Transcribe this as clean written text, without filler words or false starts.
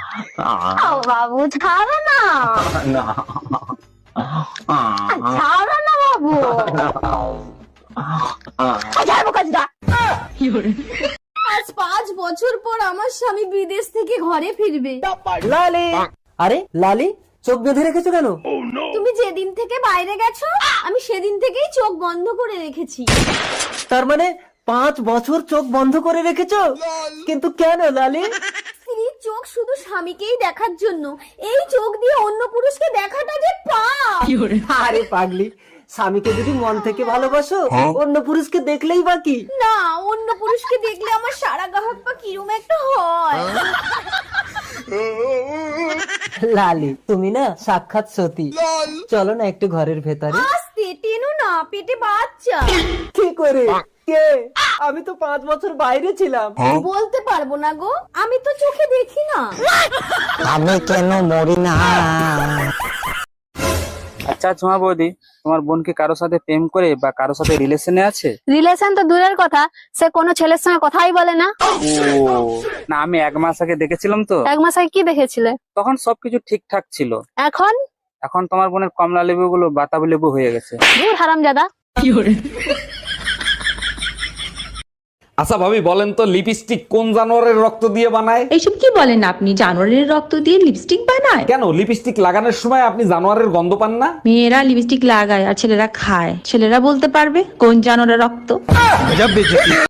বাবু ছাড়ো না, না ছাড়ো না বাবু, ছাড়বো কাজটা। আজ 5 বছর পর আমার স্বামী বিদেশ থেকে ঘরে ফিরবে। লালি, আরে লালি চোখ বেঁধে রেখেছো কেন? তুমি যেদিন থেকে বাইরে গেছো আমি সেদিন থেকেই চোখ বন্ধ করে রেখেছি। তার মানে 5 বছর চোখ বন্ধ করে রেখেছো? কিন্তু কেন লালি? স্ত্রীর চোখ শুধু স্বামীকেই দেখার জন্য, এই চোখ দিয়ে অন্য পুরুষকে দেখাটা যে পাপ। আরে পাগলি, স্বামীকে যদি মন থেকে ভালোবাসো অন্য পুরুষকে দেখলেই বাকি। না, অন্য পুরুষকে দেখলে আমার সারা গাহক পা কিরম একটা হয়। লালি তুমি না সাক্ষাৎ সতী। চলো না একটু ঘরের ভেতরে। আস্তে টেনো না, পেটে বাচ্চা। কি করে? কে? আমি তো 5 বছর বাইরে ছিলাম। বলতে পারবো না গো, আমি তো চোখে দেখি না। আমি কেন মরি না? আচ্ছা ঝুমা বৌদি, তোমার বোন কি কারোর সাথে প্রেম করে বা কারোর সাথে রিলেশনে আছে? রিলেশন তো দূরের কথা, সে কোনো ছেলের সঙ্গে কথাই বলে না। ও না, আমি 1 মাস আগে দেখেছিলাম তো, 1 মাস আগে কি দেখেছিলে? তখন সবকিছু ঠিকঠাক ছিল। এখন এখন তোমার বোনের কমলা লেবু গুলো বাতাবি লেবু হয়ে গেছে। দূর হারামজাদা। আচ্ছা ভাবি বলেন তো, লিপস্টিক কোন জানোয়ারের রক্ত দিয়ে বানায়? এইসব কি বলেন আপনি? জানোয়ারের রক্ত দিয়ে লিপস্টিক বানায়? কেন, লিপস্টিক লাগানোর সময় আপনি জানোয়ারের গন্ধ পান না? মেয়েরা লিপস্টিক লাগায় আর ছেলেরা খায়, ছেলেরা বলতে পারবে কোন জানোয়ারের রক্ত।